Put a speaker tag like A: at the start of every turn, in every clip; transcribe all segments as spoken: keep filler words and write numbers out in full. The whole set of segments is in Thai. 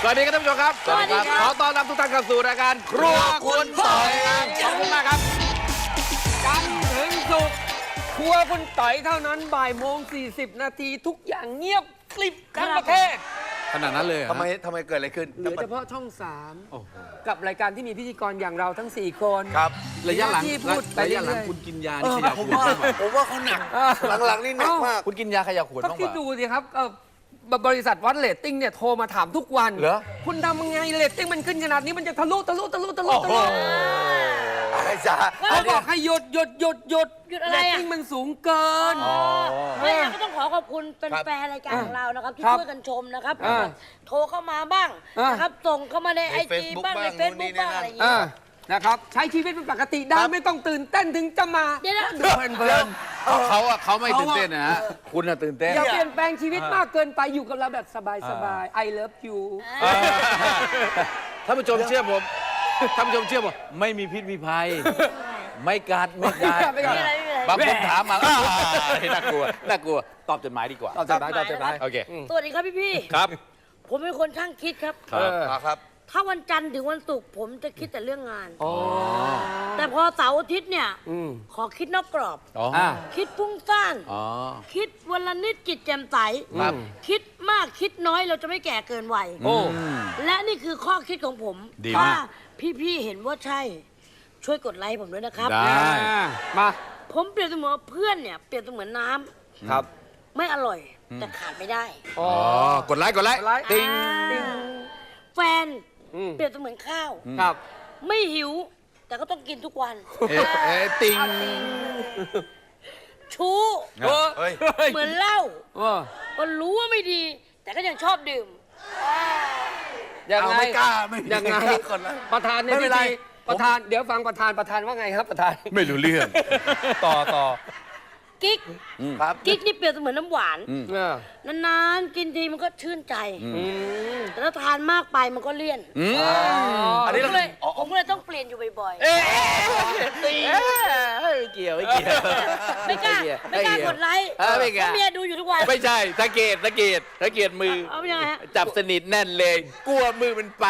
A: สวัสดีครับท่านผู้ชมครับสวัสดีครับขอต้อนรับทุกท่านเข้าสู่รายการครัวคุณต่อยขอบคุณมากครับ
B: จันทร์ถึงศุกร์ครัวคุณต่อยเท่านั้นบ่ายโมงสี่สิบนาทีทุกอย่างเงียบกริบทั้งประเทศ
A: ขนาดนั้นเลย
C: ทำไมทำไมเกิดอะไรขึ้น
B: เหลือเฉพาะช่องสามกับรายการที่มีพิธีกรอย่างเราทั้งสี่คน
C: ครับ
A: ระยะหลัง
B: ที่พูดไประ
A: ยะหลัง
B: เรื่อยๆ
A: คุณกินยานี่ขยับ
C: ผม
A: หัว
C: ว่าผมว่าเขาหนักหลังๆนี่หนักมาก
A: คุณกินยาขยับหัว
B: ก็
A: บ้าง
B: คิด
A: ป่ะ
B: ดูสิครับเอ่อบริษัทวัดเรตติ้งเนี่ยโทรมาถามทุกวัน
A: เหรอ
B: คุณทำยังไงเรตติ้งมันขึ้นขนาดนี้มันจะทะลุทะลุทะลุทะลุทะลุ
C: อะไรจ้า
B: เขาบอกให้หยุดหยุดหยุดหยุด
D: หยุดอะไร
B: เร
D: อะ
B: ตติ้งมันสูงเกิน
D: ไม่งั้นก็ต้องขอขอบคุณเป็นแฟนรายการของเรานะครับที่
B: ครับ
D: ช่วยกันชมนะครับ
B: อ่า
D: โทรเข้ามาบ้าง
B: อ่าน
D: นะครับส่งเข้ามาในไอจี
C: Facebook
D: บ้างใน
C: บ้าง
D: เฟซบุ๊ก
C: นู่นนี่
D: บ้าง
C: นั่น
D: อะไรอย่าง
B: อ่า
D: เงี้ย
B: นะครับใช้ชีวิตเป็นปกติได้ไม่ต้องตื่นเต้นถึงจะมา
D: เดี๋ยวนะ
B: เพลินเพลิน
A: เขาอะเขาไม่ตื่นเต้นนะฮะคุณอะตื่นเต้น
B: อย่าเปลี่ยนแปลงชีวิตมากเกินไปอยู่กับเราแบบสบายสบาย I love you
A: ท่านผู้ชมเชื่อผมท่านผู้ชมเชื่อผมไม่มีพิษมีภัย ไม่กัดไม่กัด
B: ไม่กัด
D: ไม่เป็นไรไม่เป็นไร
A: บางคนถามมาแล้วน่ากลัวน่ากลัวตอบจดหมายดีกว่า
B: ตอบจดหมายตอบจดหมาย
A: โอเค
D: สวัสดีครับพี่พี่ๆ
A: ครับ
D: ผมเป็นคนช่างคิดครับ
A: ครับ
C: อ่าครับ
D: ถ้าวันจันทร์ถึงวันศุกร์ผมจะคิดแต่เรื่องงาน
B: อ๋อ
D: แต่พอเสาร์อาทิตย์เนี่ย
B: อืม
D: ขอคิดนอกกรอบ
A: อ๋อ
B: อ่า
D: คิดฟุ้งซ่าน
A: อ๋อ
D: คิดวันละนิดจิตแจ่มใส
A: ครับ
D: คิดมากคิดน้อยเราจะไม่แก่เกินวัย
B: โอ้
D: และนี่คือข้อคิดของผม
A: ดี
D: ถ้าม
A: าก
D: พี่ๆเห็นว่าใช่ ช่วยกดไลค์ผมด้วยนะครับ
A: ได้
B: มา
D: ผมเปรียบเสมือนเพื่อนเนี่ยเปรียบเสมือนน้ำ
B: ครับ
D: ไม่อร่อย แต่ขาดไม่ได้
B: อ๋อ
A: อ๋อกดไลค์กดไลค์
B: กดไลค์
A: ติ๊ง
D: อ่าแฟน
B: อืม
D: เปรียบเสมือนข้าว
B: ครับ
D: ไม่หิว แต่ก็ต้องกินทุกวัน
A: เอ๊ะเอ๊ะติ๊ง
D: ชู้
B: เออ
C: เฮ้ย
D: เหมือนเหล้า
B: เออ
D: ก็รู้ว่าไม่ดี แต่ก็ยังชอบดื่ม
B: ยัง
C: เอา
B: ไง
C: ไม่กล้าไม่
B: ยังไง
C: คนละ
B: ประธานใน
C: ไม่เป็
B: พิ
C: นไร
B: ธีประธานเดี๋ยวฟังประธานประธานว่าไงครับประธาน
A: ไม่รู้เรื่อง ต่อต่อ
D: กิ๊ก
C: ครับ
D: กิ๊กนี่เปรียบเสมือนน้ำหวาน
A: อืม
B: เออน
D: านๆ กินทีมันก็ชื่นใจ
B: อืม
D: แต่ถ้าทานมากไปมันก็เลี่ยน
A: อืม
C: อันนี้
D: ผม
C: เรา
D: ก็เลยผมก็เลยต้องเปลี่ยนอยู่บ่อย
A: เอ๊ะติ๊งไม่เกี่ยวไม่เกี่ยว
D: ๆ ไม่กล้า ไม่กล้ากดไลค์
A: เออไม่กล้า
D: เพราะเมียดูอยู่ทุกวัน
A: ไม่ใช่สังเกตสังเกตสังเกตมือ
D: เอาเป็นยังไงฮะ
A: จับสนิทแน่นเลย กลัวมือมันไป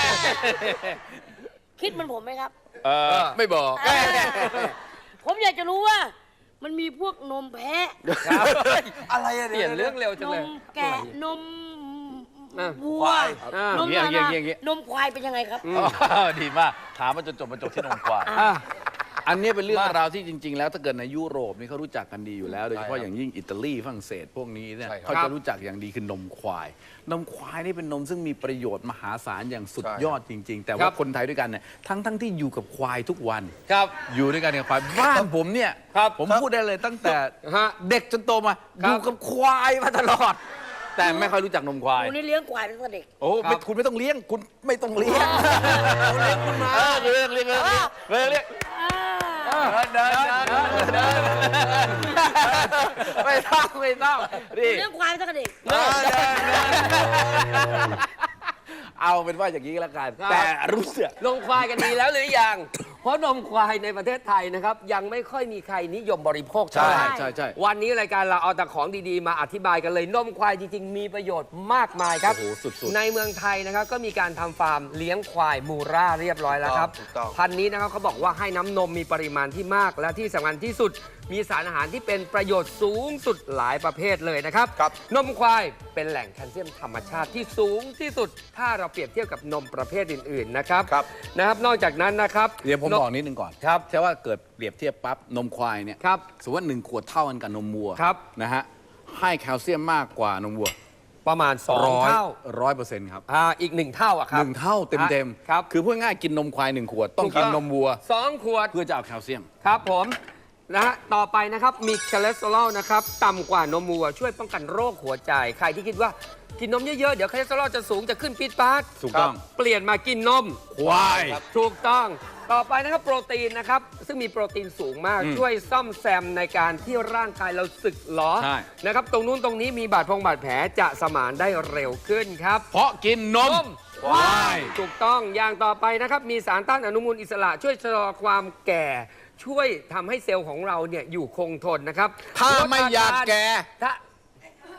D: คิดเหมันผมไหมครับ
A: เออไม่บอก
D: ผมอยากจะรู้ว่า มันมีพวกนมแพะ
C: อะไรอะ
B: เปลี่ยนเรื่องเร็วจั
D: น
B: งเลย
D: มแกะ นม
B: อ่ะ
D: วัว
B: อ่ะ
D: นม
A: อย่างเงี้ยอย่างเงี้ยอย่างเงี้ย
D: นมควายเป็นยังไงครับ
A: อ๋อดีมาก ถามมาจนจบมาจบที่นมควาย
B: อ่ะ
A: อันนี้เป็นเรื่องราวที่จริง ๆ แล้วถ้าเกิดในยุโรปนี่เขารู้จักกันดีอยู่แล้ว โดยเฉพาะอย่างยิ่งอิตาลีฝรั่งเศสพวกนี้เนี่ย
C: ใช่ครับ
A: เขาจะรู้จักอย่างดีคือนมควาย นมควายนี่เป็นนมซึ่งมีประโยชน์มหาศาลอย่างสุด
C: ใช่
A: ยอดจริง ๆ แต่
B: ค
A: ว่า
B: รับ
A: คนไทยด้วยกันเนี่ยทั้งทั้งที่อยู่กับควายทุกวัน
B: ครับ
A: อยู่ด้วยกันกับควายบ้านผมเนี่ย
B: ครับ
A: ผมพูดได้เลยตั้งแต่
B: ฮะ
A: เด็กจนโตมา
B: ครั
A: อบ ยู่กับควายมาตลอด แต่ไม่ค่อยรู้จักนมควาย
D: ผมนี่เลี้ยงควายตั้งแต่เด็ก
A: โอ้
B: ครั
A: ไม่
B: บ
A: คุณไม่ต้องเลี้ยงคุณไม่ต้องเลี้ยงเลี้ยงคุณมาเลี้ยงเลี้ยงเลี้ยงเลี้ยงเลี้ยงเลี้ยง
B: เดินเดินเดินเดินไม่ต้องไม่ต้องนี่
D: เลี้ยงควายตั้งแต่เด็ก
B: เดินเดินเดิน
A: เอาเป็นว่าอย่างนี้ก็แล้วกัน
B: ครับ
A: แต่รู้สึก
B: นมควายกันดีแล้วหรือยัง เพราะนมควายในประเทศไทยนะครับ ยังไม่ค่อยมีใครนิยมบริโภคเท่า
A: ใช่
B: ไหร่
A: ใช่ใช่
B: วันนี้รายการเราเอาแต่ของดีๆ มาอธิบายกันเลย นมควายจริงๆ มีประโยชน์มากมายครับ
A: โอ้โหสุดๆ
B: ในเมืองไทยนะครับก็มีการทำฟาร์มเลี้ยงควายมูราเรียบร้อยแล้วครับ
C: ถูกต้อง
B: พันธุ์นี้นะครับเขาบอกว่าให้น้ำนมมีปริมาณที่มาก และที่สำคัญที่สุด มีสารอาหารที่เป็นประโยชน์สูงสุดหลายประเภทเลยนะครับ
C: ครับ
B: นมควายเป็นแหล่งแคลเซียมธรรมชาติที่สูงที่สุด ถ้าเราเปรียบเทียบกับนมประเภทอื่นๆนะครับ
C: ครับ
B: นะครับนอกจากนั้นนะครับ
A: เดี๋ยวผม
B: น
A: บอกนิดนึงก่อน
B: ครับ
A: ใช่ว่าเกิดเปรียบเทียบปั๊บนมควายเนี่ย
B: ครับ
A: สมมติว่าหนึ่งขวดเท่ากันกับนมวัว
B: ครับ
A: นะฮะให้แคลเซียมมากกว่านมวัว
B: ประมาณสอง
A: ร้อย
B: เท่า
A: ร้อยเปอร์เซ็นต์ครับ
B: อ่าอีกหนึ่งเท่าอะค
A: ห
B: รับ
A: นึ่งเท่าเต็มเต็มๆ
B: ครับ
A: คือพูดง่ายๆกินนมควายหนึ่งขวด ต้อง
B: ถูก
A: กิน
B: ต้อง
A: นมวัว
B: สองขวด
A: เพื่อจะเอาแคลเซียม
B: ครับผมนะฮะต่อไปนะครับมีคอเลสเตอรอลนะครับต่ำกว่านมวัวช่วยป้องกันโรคหัวใจ ใครที่คิดว่ากินนมเยอะๆ เดี๋ยวคอเลสเตอรอลจะสูงจะขึ้นปี๊ดป๊าด
A: ถูกต้อง
B: ครับเปลี่ยนมากินนม
A: ควาย
B: ถูกต้องต่อไปนะครับโปรตีนนะครับซึ่งมีโปรตีนสูงมาก
A: อืม
B: ช่วยซ่อมแซมในการที่ร่างกายเราสึกหรอ
A: ใช่
B: นะครับตรงนู้นตรงนี้มีบาดพงบาดแผลจะสมานได้เร็วขึ้นครับ
A: เพราะกินนม
B: นม
A: ควาย
B: ถูกต้องอย่างต่อไปนะครับมีสารต้านอนุมูลอิสระ ช่วยชะลอความแก่ ช่วยทำให้เซลล์ของเราเนี่ยอยู่คงทนนะครับ
A: ถ้า
B: ลด
A: ไม่อยากแก่
B: ถ้า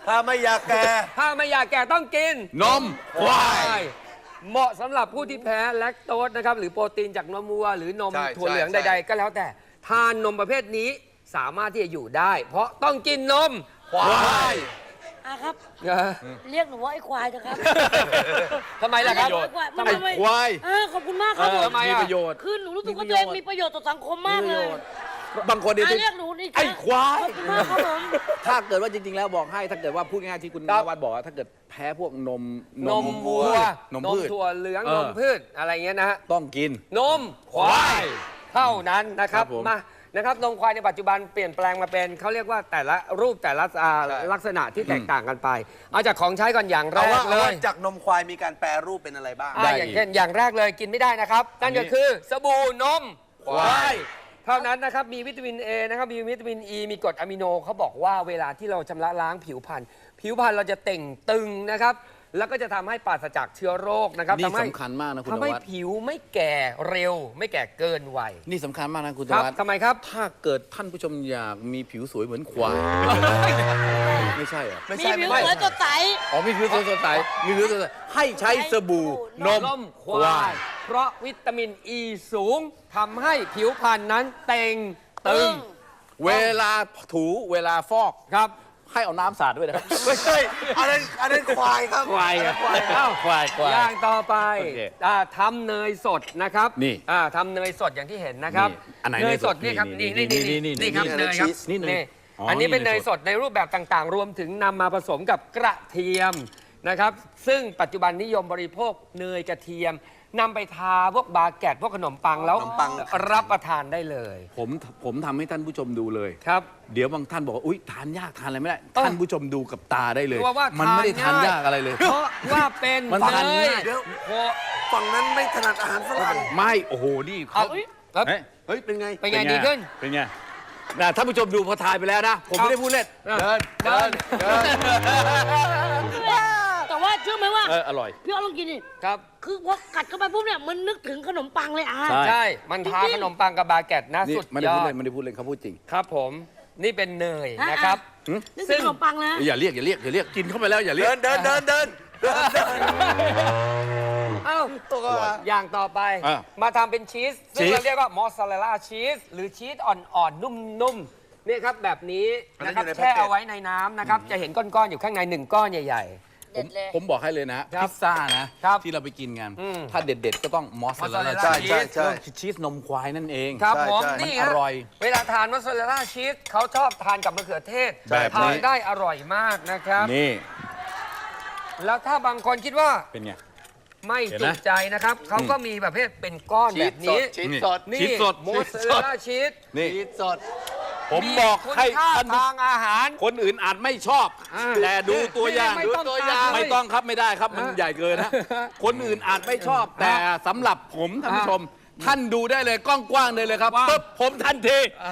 C: ถ้าไม่อยากแก่
B: ถ้าไม่อยากแก่ต้องกิน
A: นมควาย
B: เหมาะสำหรับผู้ที่แพ้แลคโตสนะครับหรือโปรตีนจากนมวัวหรือนม
C: ใช่
B: ถั่วเหลือง
C: ใช่
B: ใดๆ ก็แล้วแต่ทานนมประเภทนี้สามารถที่จะอยู่ได้ เพราะต้องกินนม
C: ควาย
D: อ่ะครับ
B: เออ
D: เรียกหนูว่าไอ้ควายนะครับ
B: ทำไมล่ะครับ
D: ไอ้ควายมัน
A: ไอ้
D: ทำไม
A: ควาย
D: อ่าขอบคุณมากครับผม
B: ทำไม
A: มี
B: อ่ะ
A: ประโยชน์
D: คือหนูรู้สึกว่าตัวเองมีประโยชน์ต่อสังคมมากเลย
A: บางคนเนี่ย
D: อ่ะเรียกหนูนี่
A: ไอ้ควาย
D: ขอบคุณมากครับผม
A: ถ้าเกิดว่าจริง ๆ แล้วบอกให้ถ้าเกิดว่าพูดง่ายๆที่คุณน
B: ครับ
A: วัดบอกว่าถ้าเกิดแพ้พวกนม
B: นมวัว
A: พืชน
B: น
A: ม
B: ม
A: พืช
B: ถั่วเหลือง
A: เออ
B: นมพืชอะไรเงี้ยนะฮะ
A: ต้องกิน
B: นมควายเท่านั้นนะครับ
A: ครับผม
B: มานะครับนมควายในปัจจุบันเปลี่ยนแปลงมาเป็นเขาเรียกว่าแต่ละรูปแต่ละอ่า
C: ใช่
B: ลักษณะที่แตกต่างกันไป เอาจากของใช้ก่อนอย่างแร
C: เอา
B: ก
C: ว่า
B: เล
C: เอาว่าย จากนมควายมีการแปรรูปเป็นอะไรบ้าง
B: อ่า
A: ได้
B: อย่างเช่นอย่างแรกเลยกินไม่ได้นะครับ นั่นก็คือสบู่นมควายเท่านั้นนะครับมีวิตามิน A นะครับมีวิตามิน E มีกรดอะมิโนเขาบอกว่าเวลาที่เราชำระล้างผิวพรรณผิวพรรณเราจะเต่งตึงนะครับแล้วก็จะทำให้ปราศจากเชื้อโรคนะครับ
A: นี่
B: ทำให้
A: สำคัญมากนะคุณน
B: ทำให้
A: วัด
B: ผิวไม่แก่เร็ว ไม่แก่เกินวัย
A: นี่สำคัญมากนะคุณน
B: ครับ
A: วัด
B: ทำไมครับ
A: ถ้าเกิดท่านผู้ชมอยากมีผิวสวยเหมือนควาย ไม่ใช่เหรอ
C: ไม่
D: มี
C: ใช่
D: ผิว
C: ไม่
D: สวย
C: ใช่
D: สดใส
A: อ๋อมีผิวสดใสมีผิวสดใสให้ใช้สบู่นม
B: นมควาย เพราะวิตามินอ e ีสูงทำให้ผิวพรรณนั้นเต่งตึง
A: เวลาถูเวลาฟอก
B: ครับ
A: ให้เอาน้ำสาดด้วยนะครับ
C: ไม่ใช่อันนั้นอันนั้นควายครับ
A: ควายครับควาย
B: เอ้า
A: ควายควาย
B: อย่างต่อไป
A: โอเค
B: อ่าทำเนยสดนะครับ
A: นี่
B: อ่าทำเนยสดอย่างที่เห็นนะครับ
A: นี่อันไหน
B: เนยสด
A: เนยสด
B: นี่ครับ
A: นี่
B: นี่นี่
A: นี่
B: นี่
A: นี่
B: นี่ครับ
A: นี่
B: เนยครับ
A: นี่เนยอ๋ออั
B: อันนี้เป็น
A: นี่
B: เน
A: เน
B: ย
A: ย
B: ส
A: ส
B: ด
A: ด
B: ในรูปแบบต่างๆ รวมถึงนำมาผสมกับกระเทียมนะครับ ซึ่งปัจจุบันนิยมบริโภคเนยกระเทียมนำไปทาพวกบาเกตพวกขนมปังแล้ว
C: ขนมปัง
B: รับประทานได้เลย
A: ผมผมทำให้ท่านผู้ชมดูเลย
B: ครับ
A: เดี๋ยวบางท่านบอกว่าอุ้ยทานยากทานอะไรไม่ได้
B: เออ
A: ท่านผู้ชมดูกับตาได้เลย
B: ว่าว่า
A: มันไม่ได้ทาน
B: ทานง่าย
A: ยากอะไรเลย
B: เพราะว่าเป็น
A: มันทาน
B: เนย
A: ง่าย
C: เดี๋ยว
B: โอ้
C: ฝั่งนั้นไม่ถนัดอาหารฝรั่ง
A: ไม่โอ้โหนี่
B: เอา
A: เขา
B: ครับ
A: เฮ้ย
C: เฮ้ย เป็นไง
B: เป็นไงดีขึ้น
A: เป็นไงนะท่านผู้ชมดูพอทายไปแล้วนะ ผมไม่ได้พูดเล่น
C: เดิน เดิน เดิน
D: แต่ว่าเชื่อไหมว่า
A: เอออร่อย
D: พี่อ้อลองกินดิ
B: ครับ
D: คือพอกัดเข้าไปปุ๊บเนี่ยมันนึกถึงขนมปังเลยอ่ะ
A: ใช่
B: ใช่ มันทาขนมปังกับบาเกตนะ
A: นี่
B: สุด
A: ไม่ได้
B: ยอ
A: พูด
B: ด
A: เล่นไม่ได้พูดเล่นเขาพูดจริง
B: ครับผม นี่เป็นเนยนะครับ
A: หึ
D: นึกถึงขนมปังนะ
A: อย่าเรียกอย่าเรียกอย่าเรียกกินเข้าไปแล้วอย่าเรีย
C: เดิ
A: ก
C: น เดิน เดิน เดิน เดินเดิน
B: เอ้า
C: ตัวก็มา
B: อย่างต่อไป
A: อ่ะ
B: มาทำเป็นชีส ซึ่ง
A: ชีส
B: เราเรียกว่ามอสซาเรลล่าชีส หรือชีสอ่อนๆ นุ่มๆ นี่ครับแบบนี้
C: อันนั้
B: นะ
C: น
B: ครับ
C: อยู่ใน
B: แช่
C: แพ็กเกจ
B: เอาไว้ในน้ำนะครับ จะเห็นก้อนๆ อยู่ข้างในหนึ่งก้อนใหญ่
D: เด็ดเลย
A: ผมบอกให้เลยนะ
B: ครั
A: พิ
B: บ
A: ซซ่านะครับ ที่เราไปกินกัน
B: อืม
A: ถ้าเด็ดๆก็ต้องมอสซาเรล
B: mozzarella
A: ล่า
C: ใช่ใช่ใช่
A: ชีสนมควายนั่นเอง
B: ๆ ครับ
C: ใช่
B: ผม
C: ใช่
B: นี่
A: มัน
B: ฮะ
A: อร่อย
B: เวลาทานมอสซาเรลล่าชีสเขาชอบทานกับมะเขือเทศ
A: แบบนี้
B: ทานได้อร่อยมากนะครับ
A: นี่
B: แล้วถ้าบางคนคิดว่า
A: เป็นไง
B: ไม่
A: เห็น
B: จุ
A: ไหม
B: ใจนะครับ เขาก็มีประเภทเป็นก้อนแบบนี้
C: ชีสสด
B: นี่
A: ชีสสด
B: มอสซาเรลล่าชีส
A: นี่
C: ชีสสด
A: ผมบอกให้
B: คุณค่า
A: ท่านผู้
B: ทางอาหาร
A: คนอื่นอาจไม่ชอบ
B: อ่า
A: แต่ดูตัวอย่าง
B: ไม่
A: ดู
B: ต้อง
A: ตัวอย่าง
B: ตัดเลย
A: ไม่ต้องครับไม่ได้ครับมัน
B: อ่ะ
A: ใหญ่เกินนะคนอื่นอาจไม่ชอบ แต่สำหรับผมท่านผู้ชม ท่านดูได้เลยกว้างๆเลยเลยครับ
B: กว้าง
A: ปุ๊บผมทันที
B: อ่ะ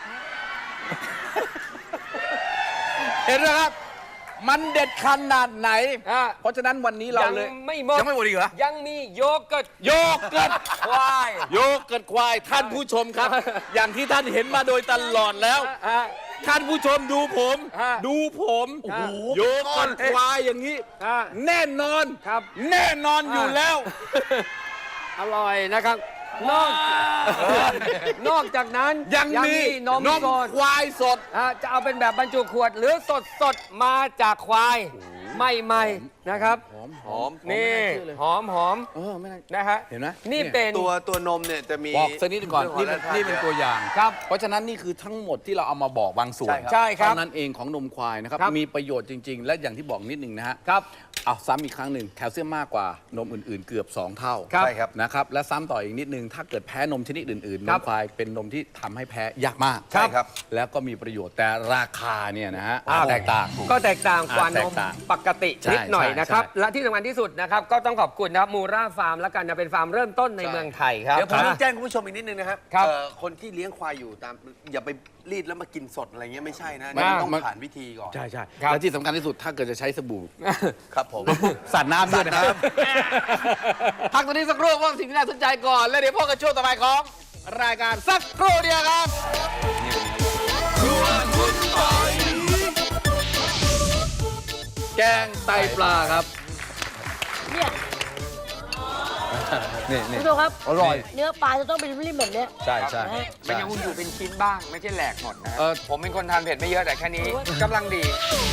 A: เห็นไหมครับ มันเด็ดขนาดไหน
B: อ่ะ
A: เพราะฉะนั้นวันนี้เรา
B: ยัง
A: เลย
B: ไม่หมด
A: ยังไม่หมดอีกเหรอ
B: ยังมีโยเกิร์ต
A: โยเกิร์ต
B: ควาย
A: โยเกิร์ตควายท่านผู้ชมครับ อย่างที่ท่านเห็นมาโดยตลอดแล้ว
B: อ่ะ
A: ท่านผู้ชมดูผม
B: อ่ะ
A: ดูผม
B: โอ้โห
A: โยเกิร์ตควายอย่างนี้
B: อ่ะ
A: แน่นอน
B: ครับ
A: แน่นอนอยู่แล้ว
B: อร่อยนะครับ นอกนอกจากนั้น
A: ยังมี
B: นมสด
A: ควายสด
B: อ่ะจะเอาเป็นแบบบรรจุขวด หรือสดสดๆมาจากควายไม่ไม่นะครับ
A: หอม
C: หอม
B: นี่
A: ไม่น่าเชื่อเลย
B: หอมหอม
A: เออไม่น่า
B: นะฮะ
A: เห็นไหม
B: นี่เป็น
C: ตัวตัวนมเนี่ยจะมี
A: บอกสักนิดหนึ่งก่อน
C: เรื่
A: นี่
C: อง
A: เป็น
C: ของ
A: นี่เป็น
C: แร่ธาตุ
A: ตัวอย่าง
B: ครับ
A: เพราะฉะนั้นนี่คือทั้งหมดที่เราเอามาบอกบางส่วน
C: ใช่ครับ
B: ใช่ครับ
A: เท่านั้นเองของนมควายนะครับ
B: ครับ
A: มีประโยชน์จริง ๆ และอย่างที่บอกนิดหนึ่งนะฮะ
B: ครับ
A: เอาซ้ำอีกครั้งหนึ่งแคลเซียมมากกว่านมอื่นๆ เกือบ สอง เท่า
B: ครับ
C: ใช่ครับ
A: นะครับและซ้ำต่ออีกนิดนึงถ้าเกิดแพ้นมชนิดอื่นๆน
B: ครั
A: ม
B: บ
A: ควายเป็นนมที่ทำให้แพ้ยากมาก
C: ใช่ครับ
A: แล้วก็มีประโยชน์แต่ราคาเนี่ยนะฮะ
B: อ้าว
A: แตกต่าง
B: ก็แตกต่างกว่า
A: อ่าน แต
B: ม
A: กต่าง
B: ปกติ
A: ใช่
B: นิดหน่อย
A: ใช่
B: นะครับ
A: ใช่
B: และที่สำคัญที่สุดนะครับ ก็ต้องขอบคุณนะครับมูราฟาร์มแล้วกันนะเป็นฟาร์มเริ่มต้นใน
C: ใช่
B: เมืองไทยครับ
C: เดี๋ยวผม
B: ค
C: ต้
B: รั
C: อบ งแจ้งคุณผู้ชมอีกนิดนึงนะครับ
B: ครับ
C: เอ่อคนที่เลี้ยงควายอยู่ตามอย่าไปรีดแล้วมากินสดอะไรเงี้ยไม่ใช่นะ
A: มัน
C: นี่ต้อง
A: มัน
C: ผ่านวิธีก่อน
A: ใช่ใช่
B: ครับ
A: และที่สำคัญที่สุดถ้าเกิดจะใช้สบู่
C: ครับผม
A: สาดน้ำด้วยนะครับ พักตรงนี้สักครู่ว่าสิ่งที่น่าสนใจก่อน แล้วเดี๋ยวพบกันช่วงต่อไปของรายการสักครู่เดียวครับแกงไตปลาครับ
D: เนี่ย
A: นี่
D: คุ
A: นี่
D: ณผู้ชมครับ
A: อร่อย
D: เนื้อปลาจะต้องเป็นริมๆแบบเนี้ย
A: ใช่ใช่
D: นะฮะ
B: มันยังอยู่เป็นชิ้นบ้างไม่ใช่แหลกหมดนะฮะ
A: เออ
B: ผมเป็นคนทานเผ็ดไม่เยอะแต่แค่นี้กำลังดี